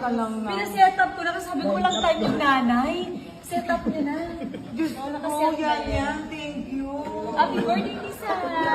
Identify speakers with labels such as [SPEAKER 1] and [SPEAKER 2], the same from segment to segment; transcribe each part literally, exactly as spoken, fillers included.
[SPEAKER 1] Teka lang na.
[SPEAKER 2] Pinaset up ko na kasi sabi ko walang time yung nanay. Set up niya na.
[SPEAKER 1] Diyos ko,
[SPEAKER 2] Nakaset na
[SPEAKER 1] yan
[SPEAKER 2] yan.
[SPEAKER 1] yan. Thank you.
[SPEAKER 2] Happy birthday, Lisa!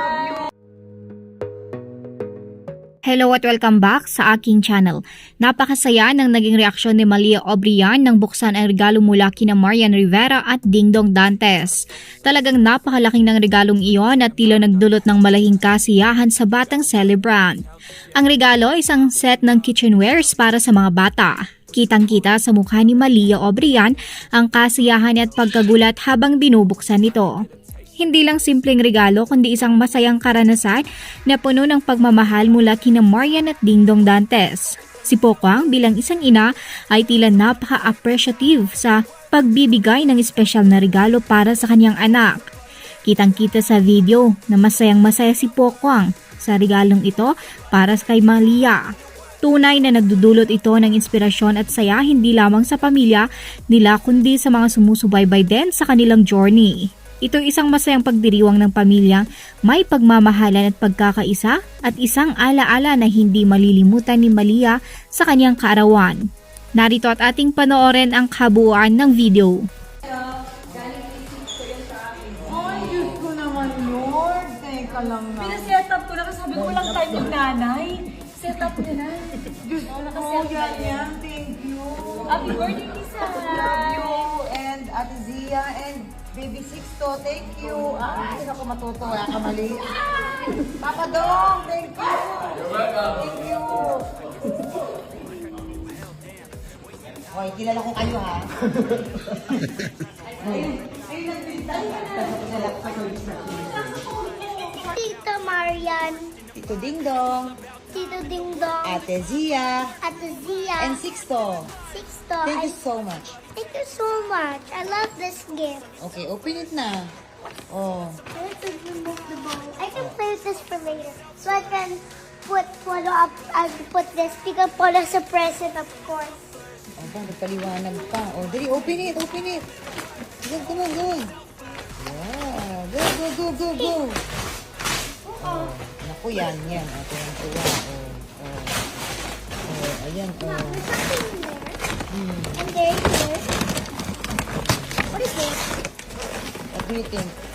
[SPEAKER 3] Hello at welcome back sa aking channel. Napakasaya ng naging reaksyon ni Malia Obrian nang buksan ang regalo mula kina Marian Rivera at Dingdong Dantes. Talagang napakalaking ng regalong iyon at tila nagdulot ng malahing kasiyahan sa batang celebrant. Ang regalo ay isang set ng kitchenwares para sa mga bata. Kitang-kita sa mukha ni Malia Obrian ang kasiyahan at pagkagulat habang binubuksan ito. Hindi lang simpleng regalo kundi isang masayang karanasan na puno ng pagmamahal mula kina Marian at Dingdong Dantes. Si Pokwang bilang isang ina ay tila napaka-appreciative sa pagbibigay ng espesyal na regalo para sa kanyang anak. Kitang-kita sa video na masayang masaya si Pokwang sa regalong ito para kay Malia. Tunay na nagdudulot ito ng inspirasyon at saya hindi lamang sa pamilya nila kundi sa mga sumusubaybay din sa kanilang journey. Ito ay isang masayang pagdiriwang ng pamilyang may pagmamahalan at pagkakaisa at isang alaala na hindi malilimutan ni Malia sa kanyang kaarawan. Narito at ating panoorin ang kabuuan ng video.
[SPEAKER 1] Ay, Diyos ko naman, Lord. Teka lang na.
[SPEAKER 2] Pinaset up ko na kasi sabi ko walang time yung nanay. Set up niya na.
[SPEAKER 1] Diyos ko,
[SPEAKER 2] Nakaset na
[SPEAKER 1] yan
[SPEAKER 2] yan.
[SPEAKER 1] yan. Thank you.
[SPEAKER 2] Happy birthday, Lisa!
[SPEAKER 1] Love you. And Ate Zia and Baby Sixto, thank you. Ay, naku, matutuwa ka mali. Ay, Papa Dong, thank you. You're welcome. Thank you. Hoy, kilala ko kayo, ha? Ayun, ayun, nagbintay ka na.
[SPEAKER 4] Tito Marian,
[SPEAKER 1] Tito Dingdong,
[SPEAKER 4] Tito Dingdong,
[SPEAKER 1] Ate Zia,
[SPEAKER 4] Ate Zia,
[SPEAKER 1] and Sixto.
[SPEAKER 4] Sixto.
[SPEAKER 1] Thank
[SPEAKER 4] I,
[SPEAKER 1] you so much.
[SPEAKER 4] thank you so much. I love this gift.
[SPEAKER 1] Okay, open it na. Oh.
[SPEAKER 4] I have to remove the bowl. I can play with this for later. So I can put Polo up, I can put this because Polo's a present, of course.
[SPEAKER 1] Oh, ba, nagpaliwanag pa. Oh, dali, open it, open it. Go, come on, go. Yeah, go, go, go, go, go. Oh, naku, yan, yan. Oh, tuwang-tuwa. Oh, oh. Oh, ayan,
[SPEAKER 4] Now,
[SPEAKER 1] oh.
[SPEAKER 4] there's something in there.
[SPEAKER 1] Hmm.
[SPEAKER 4] And there's this. What is this?
[SPEAKER 1] What do you think?